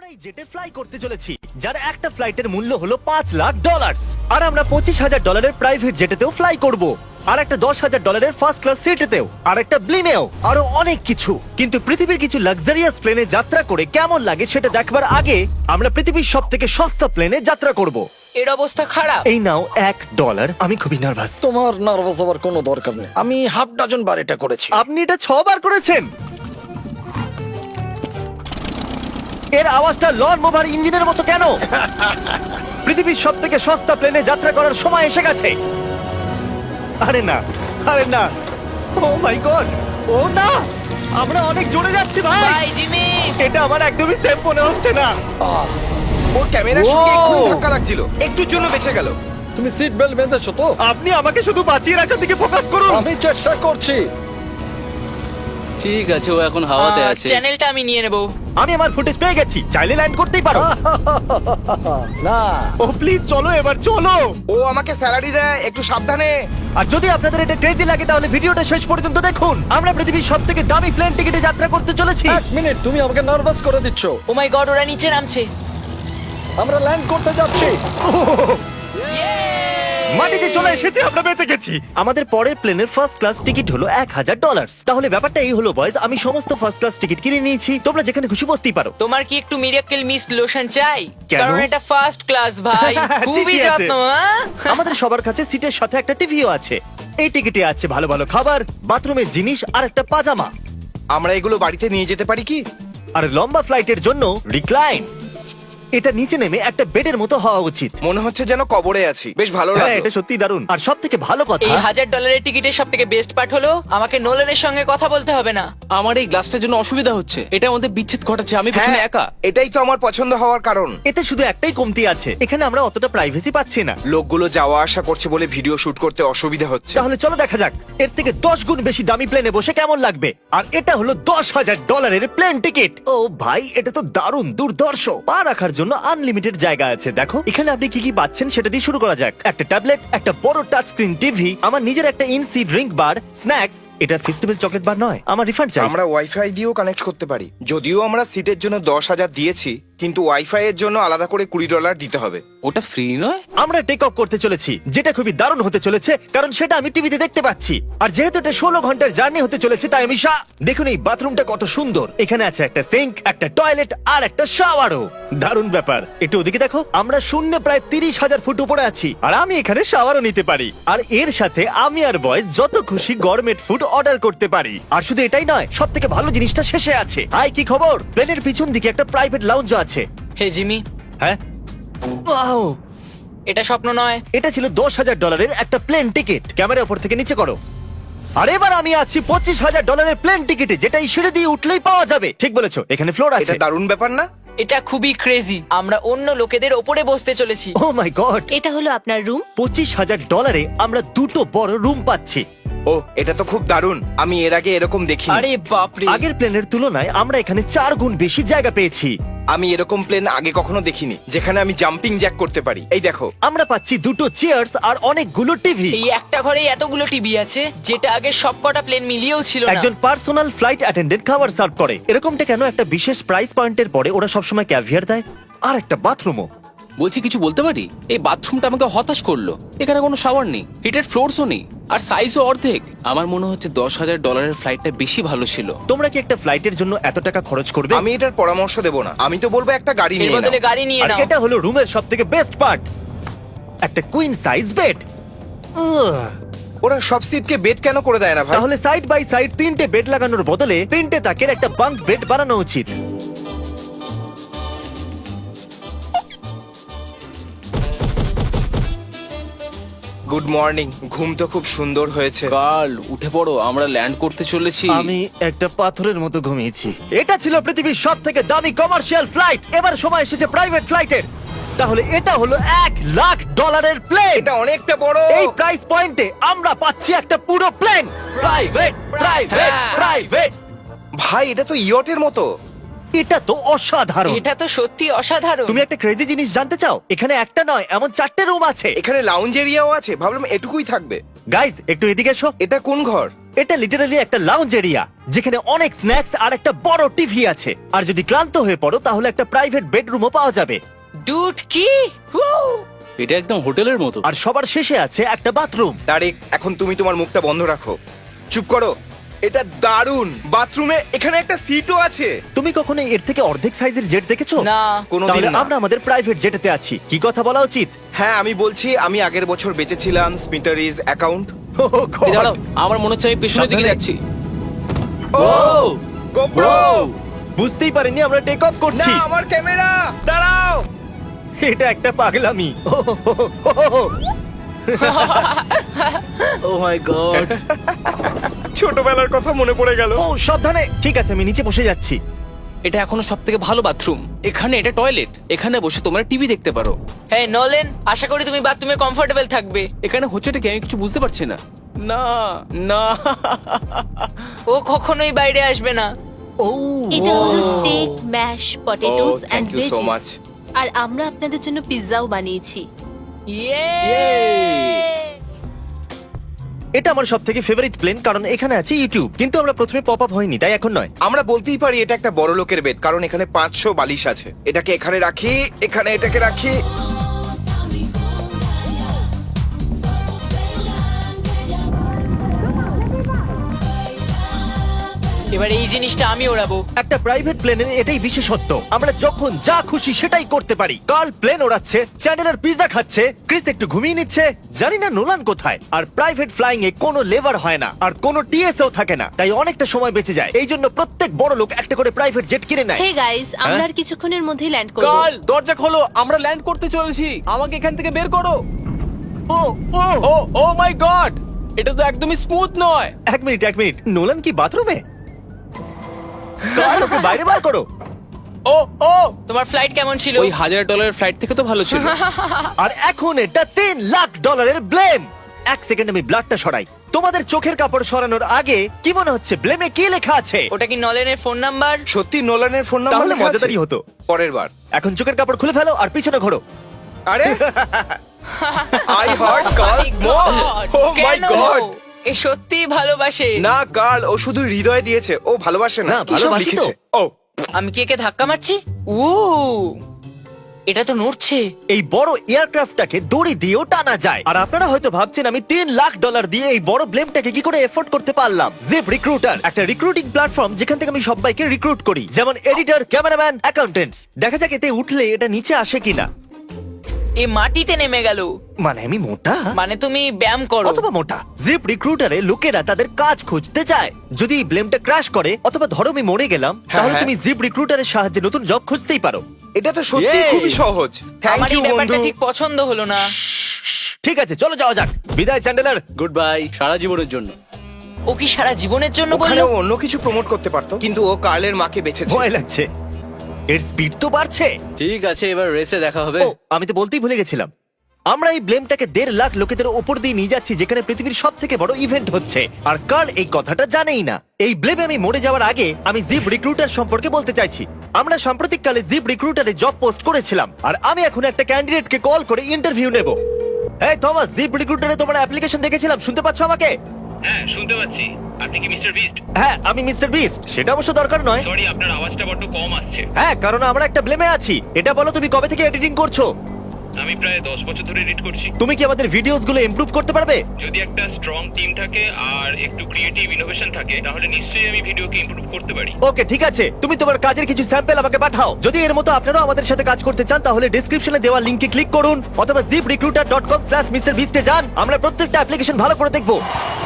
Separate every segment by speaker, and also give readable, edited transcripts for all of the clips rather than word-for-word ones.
Speaker 1: আমরা এই জেটে ফ্লাই করতে চলেছি যার একটা ফ্লাইটের মূল্য হলো $5,00,000 আর আমরা $25,000 প্রাইভেট জেটেতেও ফ্লাই করব আর একটা $10,000 ফার্স্ট ক্লাস সিটেতেও আর একটা ব্লিমেও আরো অনেক কিছু। কিন্তু পৃথিবীর কিছু লাক্সারিয়াস প্লেনে যাত্রা করে কেমন লাগে সেটা দেখবার আগে আমরা পৃথিবীর সবথেকে সস্তা প্লেনে যাত্রা করব।
Speaker 2: এর অবস্থা খারাপ।
Speaker 1: এই নাও $1। আমি খুবই নার্ভাস।
Speaker 3: তোমার নার্ভাস হওয়ার কোনো দরকার নেই, আমি হাফ ডজন বার এটা করেছি।
Speaker 1: আপনি এটা 6 বার করেছেন। এর আওয়াজটা লন মোভার ইঞ্জিনের মতো কেন? পৃথিবীর সবথেকে সস্তা প্লেনে যাত্রা করার সময় এসে গেছে। আরে না, আরে না, ও মাই গড, ও না, আমরা অনেক জোরে যাচ্ছি ভাই।
Speaker 2: Bye Jimmy.
Speaker 1: এটা আমার একদমই সেফ মনে হচ্ছে না।
Speaker 4: ওর ক্যামেরার সঙ্গে
Speaker 1: Wow!
Speaker 4: এক্ষুনি ধাক্কা লাগছিল, একটুর জন্য বেঁচে গেল।
Speaker 3: তুমি সিট বেল্ট বেঁধেছো তো?
Speaker 1: আপনি আমাকে শুধু বাঁচিয়ে রাখার দিকে ফোকাস করুন।
Speaker 3: আমি চেষ্টা করছি।
Speaker 5: ঠিক আছে, ও এখন হাওয়াতে আছে।
Speaker 2: চ্যানেলটা আমি নিয়ে নেব।
Speaker 1: আমি আমার ফুটেজ পেয়ে গেছি, চাইলে ল্যান্ড করতেই পারো।
Speaker 3: না,
Speaker 1: ও প্লিজ চলো, এবার চলো।
Speaker 4: ও আমাকে স্যালারি দেয়, একটু সাবধানে।
Speaker 1: আর যদি আপনাদের এটা ক্রেজি লাগে তাহলে ভিডিওটা শেষ পর্যন্ত দেখুন। আমরা পৃথিবীর সবথেকে দামি প্লেন টিকেটে যাত্রা করতে চলেছি।
Speaker 3: এক মিনিট, তুমি আমাকে নার্ভাস করে দিচ্ছ।
Speaker 2: ও মাই গড, ওরা নিচে নামছে।
Speaker 3: আমরা ল্যান্ড করতে যাচ্ছি।
Speaker 1: মাটিতে চলে এসেছি, আমরা বেঁচে গেছি। আমাদের পরের প্লেনের ফার্স্ট ক্লাস টিকিট হলো $1,000। তাহলে ব্যাপারটা এই হলো বয়স, আমি সমস্ত ফার্স্ট ক্লাস টিকিট কিনে নিয়েছি, তোমরা যেখানে খুশি বসতেই পারো।
Speaker 2: তোমার কি একটু মিরাকেল মিস্ট লোশন চাই?
Speaker 1: কেন?
Speaker 2: কারণ এটা ফার্স্ট ক্লাস ভাই, খুবই
Speaker 1: ঠিকই আছে।
Speaker 2: যত্ন। হ্যাঁ?
Speaker 1: আমাদের সবার কাছে সিটের সাথে একটা টিভিও আছে। এই টিকিটে আছে ভালো ভালো খাবার, বাথরুমের জিনিস আর একটা পাজামা।
Speaker 4: আমরা এগুলো বাড়িতে নিয়ে যেতে পারি কি?
Speaker 1: আর লম্বা ফ্লাইটের জন্য রিক্লাইন। এটা নিচে নেমে একটা বেডের মতো হওয়া উচিত।
Speaker 4: মনে হচ্ছে যেন কবরে আছি, বেশ ভালো
Speaker 1: হ্যাঁ,
Speaker 4: লাগলো।
Speaker 1: এটা সত্যি দারুণ। আর সব থেকে ভালো কথা,
Speaker 2: এই $1,000 টিকিটের সব থেকে বেস্ট পার্ট হলো আমাকে নোলানের সঙ্গে কথা বলতে হবে না।
Speaker 5: আমার এই গ্লাসটার জন্য অসুবিধা হচ্ছে, এটা আমাদের বিচ্ছেদ ঘটাচ্ছে। আমি
Speaker 4: হ্যাঁ,
Speaker 5: পেছনে একা।
Speaker 4: এটাই তো আমার পছন্দ হওয়ার কারণ।
Speaker 1: এতে শুধু একটাই কমতি আছে, এখানে আমরা অতটা প্রাইভেসি পাচ্ছি না।
Speaker 4: লোকগুলো যাওয়া আসা করছে বলে ভিডিও শুট করতে অসুবিধা হচ্ছে।
Speaker 1: তাহলে চলো দেখা যাক এর থেকে 10 গুণ বেশি দামি প্লেনে বসে কেমন লাগবে। আর এটা হলো $10,000 প্লেন টিকিট। ও ভাই, এটা তো দারুণ দুর্ধর্ষ। পা রাখার জন্য আনলিমিটেড জায়গা আছে। দেখো এখানে আপনি কি কি পাচ্ছেন সেটা দিয়ে শুরু করা যাক। একটা ট্যাবলেট, একটা বড় টাচ স্ক্রিন টিভি, আমার নিজের একটা ইনসি ড্রিঙ্ক বার, স্ন্যাক্স। এটা ফেস্টিভ্যাল চকলেট বার নয়, আমার রিফান্ড চাই।
Speaker 4: আমরা ওয়াইফাই দিয়েও কানেক্ট করতে পারি। যদিও আমরা সিটের জন্য 10,000 দিয়েছি, কিন্তু ওয়াইফাই এর জন্য আলাদা করে $20 দিতে হবে।
Speaker 5: ওটা ফ্রি নয়?
Speaker 1: আমরা টেক অফ করতে চলেছি, যেটা খুবই দারুণ হতে চলেছে কারণ সেটা আমি টিভিতে দেখতে পাচ্ছি। আর যেহেতু এটা 16 ঘন্টার জার্নি হতে চলেছে তাই আমি দেখুন এই বাথরুমটা কত সুন্দর। এখানে আছে একটা সিঙ্ক, একটা টয়লেট আর একটা শাওয়ারও। দারুণ ব্যাপার। একটু ওদিকে দেখো, আমরা শূন্যে প্রায় 30,000 ফুট উপরে আছি আর আমি এখানে শাওয়ারও নিতে পারি। আর এর সাথে আমি আর বয়স যত খুশি গরমেট ফুড অর্ডার করতে পারি। আর শুধু এটাই নয়, সব থেকে ভালো জিনিসটা শেষে আছে। হাই, কি খবর? প্লেনের পিছন দিকে একটা প্রাইভেট লাউঞ্জ আছে।
Speaker 2: হে জিমি,
Speaker 1: হ্যাঁ, ওয়াও,
Speaker 2: এটা স্বপ্ন নয়।
Speaker 1: এটা ছিল $10,000 একটা প্লেন টিকিট। ক্যামেরা উপর থেকে নিচে করো। আর এবার আমি আছি $25,000 প্লেন টিকিটে, যেটা এই সিঁড়ি দিয়ে উঠলেই পাওয়া যাবে। ঠিক বলেছো, এখানে ফ্লোর
Speaker 4: এটা
Speaker 1: আছে।
Speaker 4: দারুণ ব্যাপার না?
Speaker 2: এটা খুবই ক্রেজি। আমরা অন্য লোকেদের ওপরে বসতে চলেছি।
Speaker 1: ও মাই গড,
Speaker 6: এটা হলো আপনার রুম।
Speaker 1: $25,000 আমরা দুটো বড় রুম পাচ্ছি।
Speaker 4: ও, এটা তো খুব দারুণ। আমি এর আগে এরকম দেখিনি।
Speaker 2: আরে বাপরে।
Speaker 1: আগের প্লেনের তুলনায় আমরা এখানে 4 গুণ বেশি জায়গা পেয়েছি।
Speaker 4: আমি এরকম প্লেন আগে কখনো দেখিনি যেখানে আমি জাম্পিং জ্যাক করতে পারি। এই দেখো,
Speaker 1: আমরা পাচ্ছি দুটো চেয়ার্স আর অনেকগুলো টিভি।
Speaker 2: এই একটা ঘরে এতগুলো টিভি আছে, যেটা আগে সবকটা প্লেন মিলিয়েও ছিল না।
Speaker 1: একজন পার্সোনাল ফ্লাইট অ্যাটেন্ডেন্ট খাবার সার্ভ করে। এরকমটা কেন? একটা বিশেষ প্রাইস পয়েন্টের পরে ওরা সবসময় ক্যাভিয়ার দেয়। আর একটা বাথরুমও।
Speaker 5: বলছি, কিছু বলতে পারি? এই বাথরুমটা আমাকে হতাশ করলো। এখানে কোনো শাওয়ার নেই, হিটেড ফ্লোরসও নেই, আর সাইজও অর্ধেক। আমার মনে হচ্ছে $10,000 ফ্লাইটটা বেশি ভালো ছিল।
Speaker 1: তোমরা কি একটা ফ্লাইটের জন্য এত টাকা খরচ করবে?
Speaker 4: আমি এটার পরামর্শ দেব না। আমি তো বলবো একটা গাড়ি
Speaker 2: এর
Speaker 4: নিয়ে
Speaker 2: বদলে
Speaker 4: নাও।
Speaker 2: গাড়ি নিয়ে
Speaker 1: আর
Speaker 2: নাও।
Speaker 1: এটা হলো রুমের সবথেকে বেস্ট পার্ট, একটা কুইন সাইজ বেড।
Speaker 4: ওরা সব সিটকে বেড কেন করে দেয় না ভাই?
Speaker 1: তাহলে সাইড বাই সাইড 3টে বেড লাগানোর বদলে 3টে তাকের একটা বাঙ্ক বেড বানানো উচিত।
Speaker 4: Good morning. ঘুম তো খুব সুন্দর হয়েছে।
Speaker 5: কাল উঠে পড়ো, আমরা ল্যান্ড করতে চলেছি।
Speaker 1: আমি একটা পাথরের মতো ঘুমিয়েছি। এটা ছিল পৃথিবীর সবথেকে দামি কমার্শিয়াল ফ্লাইট। এবার সময় এসেছে প্রাইভেট ফ্লাইটের। তাহলে এটা হলো $1,00,000 প্লেন।
Speaker 4: এটা অনেকটা বড়।
Speaker 1: এই প্রাইস পয়েন্টে আমরা পাচ্ছি একটা পুরো প্লেন। Private, private, private.
Speaker 4: ভাই, এটা তো ইয়টের মতো।
Speaker 1: এটা তো অসাধারণ।
Speaker 2: এটা তো সত্যি অসাধারণ।
Speaker 1: তুমি একটা ক্রেজি জিনিস জানতে চাও? এখানে একটা নয়, এমন 4টে রুম আছে।
Speaker 4: এখানে লাউঞ্জ এরিয়াও আছে। ভাবলাম এটুকুই থাকবে।
Speaker 1: গাইজ, একটু এদিকে এসো।
Speaker 4: এটা কোন ঘর?
Speaker 1: এটা লিটারালি একটা লাউঞ্জ এরিয়া যেখানে অনেক স্ন্যাক্স আর একটা বড় টিভি আছে। আর যদি ক্লান্ত হয়ে পড়ো তাহলে একটা প্রাইভেট বেডরুমও পাওয়া যাবে।
Speaker 2: ডুড কি Woo!
Speaker 5: এটা একদম হোটেলের মতো।
Speaker 1: আর সবার শেষে আছে একটা বাথরুম।
Speaker 4: তারিক, এখন তুমি তোমার মুখটা বন্ধ রাখো। চুপ করো। এটা দারুণ। বাথরুমে এখানে একটা সিটও আছে।
Speaker 1: তুমি কখনো এর থেকে অর্ধেক সাইজের জেট দেখেছো?
Speaker 2: না।
Speaker 4: কোনোদিন
Speaker 1: তাহলে
Speaker 4: না।
Speaker 1: আমরা আমাদের প্রাইভেট জেটেতে আছি। কি কথা বলা উচিত?
Speaker 4: হ্যাঁ, আমি বলছি আমি আগের বছর বেঁচেছিলাম স্মিটারিজ অ্যাকাউন্ট।
Speaker 5: এই দাঁড়াও, আমার মনে হচ্ছে আমি পেছনের দিকে
Speaker 1: সাবধানে।
Speaker 5: যাচ্ছি।
Speaker 4: ও গোপ্রো।
Speaker 1: বুঝতেই পারিনি আমরা টেক অফ
Speaker 4: না,
Speaker 1: করছি।
Speaker 4: আমার ক্যামেরা। দাঁড়াও।
Speaker 1: এটা একটা পাগলামি।
Speaker 5: Oh my god.
Speaker 4: ছোটবেলার কথা মনে পড়ে গেল।
Speaker 1: ও সাবধানে। ঠিক আছে, আমি নিচে বসে যাচ্ছি।
Speaker 5: এটা এখনো সবথেকে ভালো বাথরুম। এখানে এটা টয়লেট। এখানে বসে তোমরা টিভি দেখতে পারো।
Speaker 2: হ্যাঁ নোলেন, আশা করি তুমি বাথরুমে কমফোর্টেবল থাকবে।
Speaker 5: এখানে হচ্ছেটা কি আমি কিছু বুঝতে পারছি না। না না।
Speaker 2: ও কখনোই বাইরে আসবে না।
Speaker 1: ও
Speaker 6: এটা হলো steak, mash, potatoes
Speaker 4: Oh,
Speaker 6: and
Speaker 4: thank you so much.
Speaker 6: Veggies. আর আমরা আপনাদের জন্য পিৎজাও বানিয়েছি।
Speaker 2: ইয়ে
Speaker 1: এটা আমার সবথেকে ফেভারিট প্লেন, কারণ এখানে আছে ইউটিউব। কিন্তু আমরা প্রথমে পপ আপ হয়নি, তাই এখন নয়।
Speaker 4: আমরা বলতেই পারি এটা একটা বড় লোকের বেড, কারণ এখানে 500 বালিশ আছে। এটাকে এখানে রাখি, এখানে এটাকে রাখি।
Speaker 2: এবার এই জিনিসটা আমি ওড়াবো।
Speaker 1: একটা প্রাইভেট প্লেনের এটাই বিশেষত্ব, আমরা যখন যা খুশি সেটাই করতে পারি। কার্ল প্লেন ওড়াচ্ছে, চ্যান্ডেলার পিৎজা খাচ্ছে, ক্রিস একটু ঘুমিয়ে নিচ্ছে, জানি না নোলান কোথায়। আর প্রাইভেট ফ্লাইং এ কোনো লেবার হয় না, আর কোনো টিএসও থাকে না, তাই অনেকটা সময় বেঁচে যায়। এই জন্য প্রত্যেক বড় লোক একটা করে প্রাইভেট জেট কিনে নেয়।
Speaker 6: হে গাইস, আমরা
Speaker 1: হ্যাঁ?
Speaker 6: আর কিছুক্ষণের মধ্যেই ল্যান্ড করব।
Speaker 5: কাল দরজা খোলো, আমরা ল্যান্ড করতে চলেছি। আমাকে এখান থেকে বের করো।
Speaker 1: ও ও
Speaker 5: ও ও মাই গড, এটা তো একদমই স্মুথ নয়।
Speaker 1: এক মিনিট, নোলান কি বাথরুমে? কার্ল, ওকে বাইরে বার করো।
Speaker 5: ও ও,
Speaker 2: তোমার ফ্লাইট কেমন ছিল?
Speaker 5: ওই $1000 ফ্লাইট থেকে তো ভালো ছিল।
Speaker 1: আর এখন এটা $3 লাখ ব্লেম। এক সেকেন্ড আমি ব্লাডটা সরাই। তোমাদের চোখের কাপড় সরানোর আগে কি মনে হচ্ছে ব্লেমে কি লেখা আছে?
Speaker 2: ওটা কি নলেনের ফোন নাম্বার?
Speaker 4: সত্যি নোলানের ফোন নাম্বার
Speaker 1: তাহলে
Speaker 4: লেখা আছে?
Speaker 1: মজাদারই হতো।
Speaker 4: পরের বার।
Speaker 1: এখন চোখের কাপড় খুলে ফেলো আর পিছনে ঘোরো।
Speaker 4: আরে I hurt girls more. Oh my
Speaker 2: কেন?
Speaker 4: গড।
Speaker 2: এ সত্যি ভালোবাসে।
Speaker 4: না গার্ল, ও শুধু হৃদয় দিয়েছে, ও ভালোবাসে না।
Speaker 1: না,
Speaker 4: কি সব
Speaker 1: ভালোবাসি তো।
Speaker 4: লিখেছে? ও
Speaker 2: আমি কি একে ধাক্কা মারছি? ও এটা তো নড়ছে।
Speaker 1: এই বড় এয়ারক্রাফটটাকে দড়ি দিয়েও টানা যায়। আর আপনারা হয়তো ভাবছেন আমি $3 লাখ দিয়ে এই বড় ব্লেমটাকে কি করে এফোর্ড করতে পারলাম। জিপ রিক্রুটার একটা রিক্রুটিং প্ল্যাটফর্ম যেখান থেকে আমি সবাইকে রিক্রুট করি, যেমন এডিটর, ক্যামেরাম্যান, অ্যাকাউন্টেন্টস। দেখা যাক এতে উঠলে এটা নিচে আসে কিনা।
Speaker 2: এ মাটিতে নেমে গেল।
Speaker 1: মানে আমি মোটা
Speaker 2: মানে তুমি ব্যায়াম করো।
Speaker 1: অথবা মোটা। জিপ রিক্রুটারে লোকেরা তাদের কাজ খুঁজতে যায়। যদি এই ব্লেমটা ক্র্যাশ করে অথবা ধরো আমি মরে গেলাম, তাহলে
Speaker 4: হ্যাঁ।
Speaker 1: তুমি জিপ রিক্রুটারের সাহায্যে নতুন জব খুঁজতেই পারো।
Speaker 4: এটা তো সত্যি
Speaker 1: Yay!
Speaker 4: খুবই সহজ। থ্যাংক
Speaker 2: আমার
Speaker 4: ইউ
Speaker 2: এই ব্যাপারটা
Speaker 4: বন্ধু।
Speaker 2: ঠিক পছন্দ হলো না।
Speaker 1: ঠিক আছে, চলো যাওয়া যাক। বিদায় চ্যান্ডেলার।
Speaker 5: গুড বাই, সারা জীবনের জন্য।
Speaker 2: ও কি সারা জীবনের জন্য
Speaker 4: ওখানে
Speaker 2: বললো?
Speaker 4: ও অন্য কিছু প্রমোট করতে পারতো, কিন্তু ও কার্লের মাকে বেঁচেছে।
Speaker 1: ভয় লাগছে। এর স্পিড তো বাড়ছে।
Speaker 5: ঠিক আছে, এবার রেসে দেখা হবে।
Speaker 1: ও, আমি তো বলতেই ভুলে গেছিলাম। আমরা এই ব্লেমটাকে 1.5 লাখ লোকেদের উপর দিয়ে নিয়ে যাচ্ছি, যেখানে পৃথিবীর সব থেকে বড় ইভেন্ট হচ্ছে। আর কার্ল এই কথাটা জানেই না। এই ব্লেমে আমি মরে যাওয়ার আগে আমি জিপ রিক্রুটার সম্পর্কে বলতে চাইছি। আমরা সাম্প্রতিককালে জিপ রিক্রুটারে জব পোস্ট করেছিলাম, আর আমি এখন একটা ক্যান্ডিডেটকে কল করে ইন্টারভিউ নেব। এই থমাস, জিপ রিক্রুটারে তোমার অ্যাপ্লিকেশন দেখেছিলাম, শুনতে পাচ্ছ আমাকে?
Speaker 7: হ্যাঁ শুনতে পাচ্ছি। আপনি কি মিস্টার বিস্ট?
Speaker 1: হ্যাঁ, আমি মিস্টার বিস্ট। সেটা অবশ্য দরকার নয়।
Speaker 7: সরি, আপনার আওয়াজটা বড্ড কম আসছে।
Speaker 1: হ্যাঁ, কারণ আমরা একটা ব্লেমে আছি। এটা বলো, তুমি কবে থেকে এডিটিং করছো?
Speaker 7: আমি প্রায় 10 বছর ধরে এডিট করছি।
Speaker 1: তুমি কি আমাদের ভিডিওস গুলো ইমপ্রুভ করতে পারবে?
Speaker 7: যদি একটা স্ট্রং টিম থাকে আর একটু ক্রিয়েটিভ ইনোভেশন থাকে, তাহলে নিশ্চয়ই আমি ভিডিওকে ইমপ্রুভ করতে পারি।
Speaker 1: ওকে, ঠিক আছে। তুমি তোমার কাজের কিছু স্যাম্পল আমাকে পাঠাও। যদি এর মতো আপনারাও আমাদের সাথে কাজ করতে চান, তাহলে ডেসক্রিপশনে দেওয়া লিংকে ক্লিক করুন অথবা ziprecruiter.com/mrbeast এ যান। আমরা প্রত্যেকটা অ্যাপ্লিকেশন ভালো করে দেখব।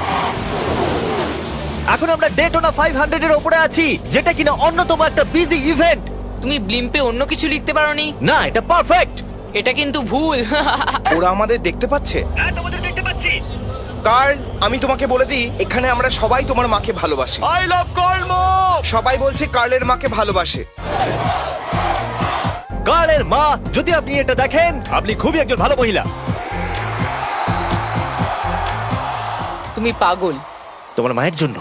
Speaker 1: এখন আমরা ডেটোনা 500 এর উপরে আছি, যেটা কিনা অন্যতম একটা বিজি ইভেন্ট।
Speaker 2: তুমি ব্লিম্পে অন্য কিছু লিখতে পারোনি?
Speaker 1: না, এটা পারফেক্ট।
Speaker 2: এটা কিন্তু ভুল।
Speaker 4: ওরা আমাদের দেখতে পাচ্ছে।
Speaker 7: হ্যাঁ, তোমাদের দেখতে পাচ্ছি।
Speaker 4: কার্ল, আমি তোমাকে বলে দিই, এখানে আমরা সবাই তোমার মাকে ভালোবাসি।
Speaker 5: আই লাভ কর্ম।
Speaker 4: সবাই বলছে কার্লের মাকে ভালোবাসে।
Speaker 1: কার্লের মা, যদি আপনি এটা দেখেন, আপনি খুবই একজন ভালো মহিলা।
Speaker 2: তুমি পাগল।
Speaker 1: তোমার মায়ের জন্য।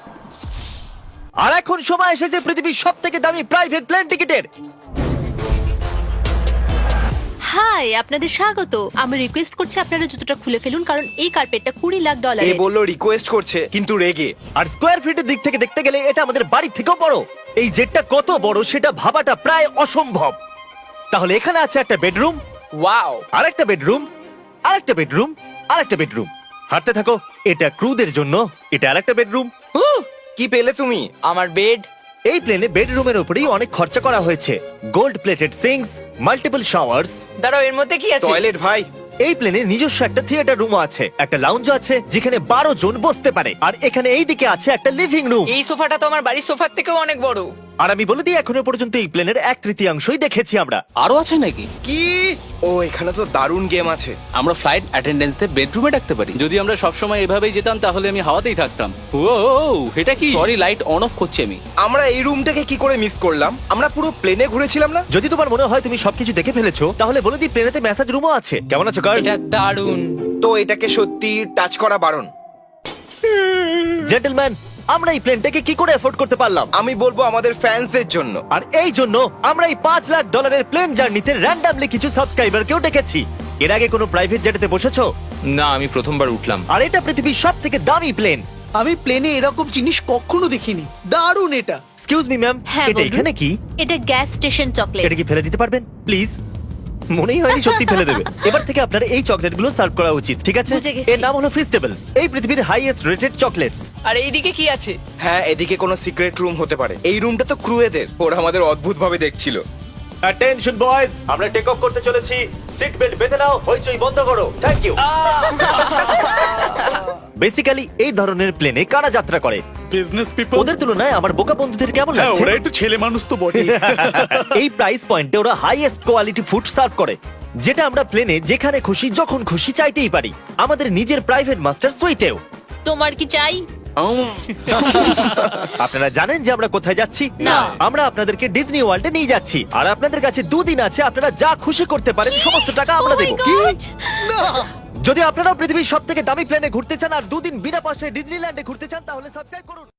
Speaker 1: আর এখন সময় এসেছে পৃথিবীর সব থেকে দামি প্রাইভেট প্লেন টিকিটের।
Speaker 6: হাই, আপনাদের স্বাগত। আমি রিকোয়েস্ট করছি আপনারা জুতোটা খুলে ফেলুন, কারণ এই কার্পেটটা $20 লাখ।
Speaker 4: এ বললো রিকোয়েস্ট করছে কিন্তু রেগে।
Speaker 1: আর স্কোয়ার ফিটের দিক থেকে দেখতে গেলে এটা আমাদের বাড়ির থেকেও বড়। এই জেটটা কত বড় সেটা ভাবাটা প্রায় অসম্ভব। তাহলে এখানে আছে একটা বেডরুম,
Speaker 2: ওয়াও।
Speaker 1: আরেকটা বেডরুম, আরেকটা বেডরুম, আরেকটা বেডরুম। হাঁটতে থাকো। এটা ক্রুদের জন্য, এটা আরেকটা বেডরুম।
Speaker 4: কি পেলে তুমি?
Speaker 2: আমার বেড।
Speaker 1: এই প্লেনে বেডরুমের উপরেই অনেক খরচা করা হয়েছে। Gold plated sinks, multiple showers.
Speaker 2: দাঁড়াও, এর মধ্যে কি আছে?
Speaker 4: টয়লেট ভাই।
Speaker 1: এই প্লেনে নিজস্ব একটা থিয়েটার রুমও আছে, একটা লাউঞ্জ আছে যেখানে 12 জন বসতে পারে, আর এখানে এই দিকে আছে একটা লিভিং রুম।
Speaker 2: এই সোফাটা তো আমার বাড়ির সোফার থেকেও অনেক বড়।
Speaker 1: আর আমি বলে দিই, এখনো পর্যন্ত এই প্লেনের 1/3 দেখেছি আমরা।
Speaker 5: আরো আছে নাকি?
Speaker 4: কি? ও এখানে তো দারুণ গেম আছে।
Speaker 5: আমরা ফ্লাইট অ্যাটেন্ডেন্সদের বেডরুমে ডাকতে পারি। যদি আমরা সবসময় এভাবেই যেতাম তাহলে আমি হাওয়াতেই থাকতাম। ও এটা কি? সরি, লাইট অন অফ করছি আমি।
Speaker 4: আমরা এই রুমটাকে কি করে মিস করলাম? আমরা পুরো প্লেনে ঘুরেছিলাম না?
Speaker 1: যদি তোমার মনে হয় তুমি সবকিছু দেখে ফেলেছো, তাহলে বলে দিই প্লেনেতে ম্যাসাজ রুমও আছে। কেমন আছো গার্ল?
Speaker 2: এটা দারুণ।
Speaker 4: তো এটাকে সত্যি টাচ করা বারণ।
Speaker 1: জেন্টলম্যান, আমরা এই প্লেনটাকে কি করে এফোর্ড করতে পারলাম?
Speaker 4: আমি বলবো আমাদের ফ্যান্সদের জন্য।
Speaker 1: আর এই জন্য আমরা এই $5 লাখ প্লেন জার্নিতে র্যান্ডামলি কিছু সাবস্ক্রাইবারকেও ডেকেছি। এর আগে কোনো প্রাইভেট জেটেতে বসেছো?
Speaker 8: না, আমি প্রথমবার উঠলাম।
Speaker 1: আর এটা পৃথিবীর সবথেকে দামি প্লেন।
Speaker 9: আমি প্লেনে এরকম জিনিস কখনো দেখিনি। দারুণ এটা।
Speaker 1: এক্সকিউজ মি ম্যাম,
Speaker 6: হ্যাঁ,
Speaker 1: এটা
Speaker 6: বলুন।
Speaker 1: এখানে কি?
Speaker 6: এটা গ্যাস স্টেশন চকলেট।
Speaker 1: এটা কি ফেলে দিতে পারবেন প্লিজ? মনেই হয়নি সত্যি ফেলে দেবে। এবার থেকে আপনার এই চকলেটগুলো সার্ভ করা উচিত, ঠিক আছে?
Speaker 6: বুঝে গেছি।
Speaker 1: এর নাম হলো ফিস্টেবলস, এই পৃথিবীর হাইয়েস্ট রেটেড চকলেটস।
Speaker 2: আর এইদিকে কি আছে?
Speaker 4: হ্যাঁ, এদিকে কোনো সিক্রেট রুম হতে পারে। এই রুমটা তো ক্রুয়েদের। ওরা আমাদের অদ্ভুত ভাবে দেখছিল।
Speaker 1: অ্যাটেনশন বয়েজ, আমরা টেক অফ করতে চলেছি। সিট বেল্ট বেঁধে নাও, হইচই বন্ধ করো। Thank you. বেসিক্যালি এই ধরনের প্লেনে কারা যাত্রা করে?
Speaker 3: Business people.
Speaker 1: ওদের তুলনায় আমার বোকা বন্ধুদের কেমন লাগছে?
Speaker 3: একটু ছেলে মানুষ তো বটে।
Speaker 1: এই প্রাইস পয়েন্টে ওরা হাইয়েস্ট কোয়ালিটি ফুড সার্ভ করে, যেটা আমরা প্লেনে যেখানে খুশি যখন খুশি চাইতেই পারি। আমাদের নিজের প্রাইভেট মাস্টার সুইটেও।
Speaker 6: তোমার কি চাই?
Speaker 1: আপনারা জানেন যে আমরা কোথায় যাচ্ছি?
Speaker 6: না।
Speaker 1: আমরা আপনাদেরকে ডিজনি ওয়ার্ল্ডে নিয়ে যাচ্ছি, আর আপনাদের কাছে 2 দিন আছে। আপনারা যা খুশি করতে পারেন, সমস্ত টাকা আমরা
Speaker 6: Oh my
Speaker 1: দেবো।
Speaker 6: God!
Speaker 1: যদি আপনারাও পৃথিবীর সবথেকে দামি প্লেনে ঘুরতে চান আর 2 দিন বিনা পয়সায় ডিজনিল্যান্ডে ঘুরতে চান, তাহলে সাবস্ক্রাইব করুন।